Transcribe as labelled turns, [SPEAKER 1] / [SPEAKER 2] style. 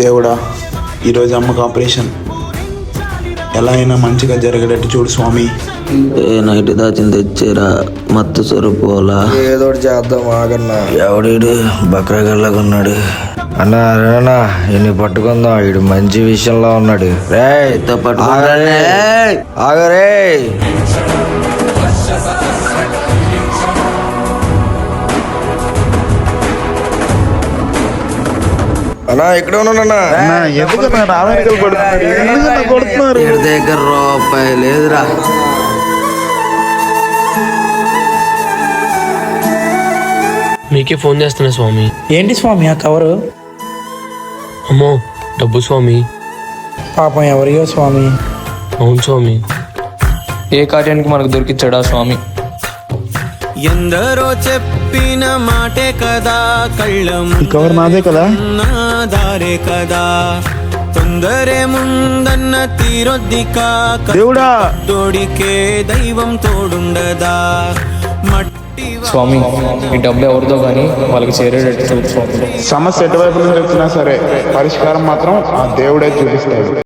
[SPEAKER 1] దేవుడా, ఈరోజు అమ్మకు ఆపరేషన్ ఎలా అయినా మంచిగా జరిగేటట్టు చూడు స్వామి.
[SPEAKER 2] ఏ నైట్ దాచింది తెచ్చారా మత్తు సరిపోలా.
[SPEAKER 3] ఏదో చేద్దాం ఆగన్నా.
[SPEAKER 2] ఎవడీడు బక్రగల్లాగా ఉన్నాడు.
[SPEAKER 3] అన్నా రేనా ఇన్ని పట్టుకుందాం, వీడు మంచి విషయంలో ఉన్నాడు. రే ఆగరే. అన్నా ఎక్కడ ఉన్నానన్నా?
[SPEAKER 2] వీడి దగ్గర రూపాయి లేదురా.
[SPEAKER 4] మీకే ఫోన్ చేస్తున్నా స్వామి.
[SPEAKER 5] ఏంటి స్వామి ఆ కవరు?
[SPEAKER 4] అమ్మో డబ్బు స్వామి.
[SPEAKER 5] పాపం ఎవరియో స్వామి.
[SPEAKER 4] అవును స్వామి.
[SPEAKER 6] ఏ కార్యానికి మనకు దొరికిచ్చాడా స్వామి?
[SPEAKER 7] ఎందరో చెప్పిన మాటే కదా,
[SPEAKER 1] ఈ కవర్ నాదే కదా,
[SPEAKER 7] దారే కదా, తొందరే ముందన్న తీరొద్దిక
[SPEAKER 1] దేవుడా
[SPEAKER 7] తోడికే దైవం తోడుండదా. మట్టి
[SPEAKER 6] స్వామి ఈ డబ్బు ఎవరిదో కానీ వాళ్ళకి చేరేటట్టు చూడు స్వామి.
[SPEAKER 1] సమస్య ఎటువైపు నుంచి వచ్చినా సరే పరిష్కారం మాత్రం ఆ దేవుడే చూపిస్తాడు.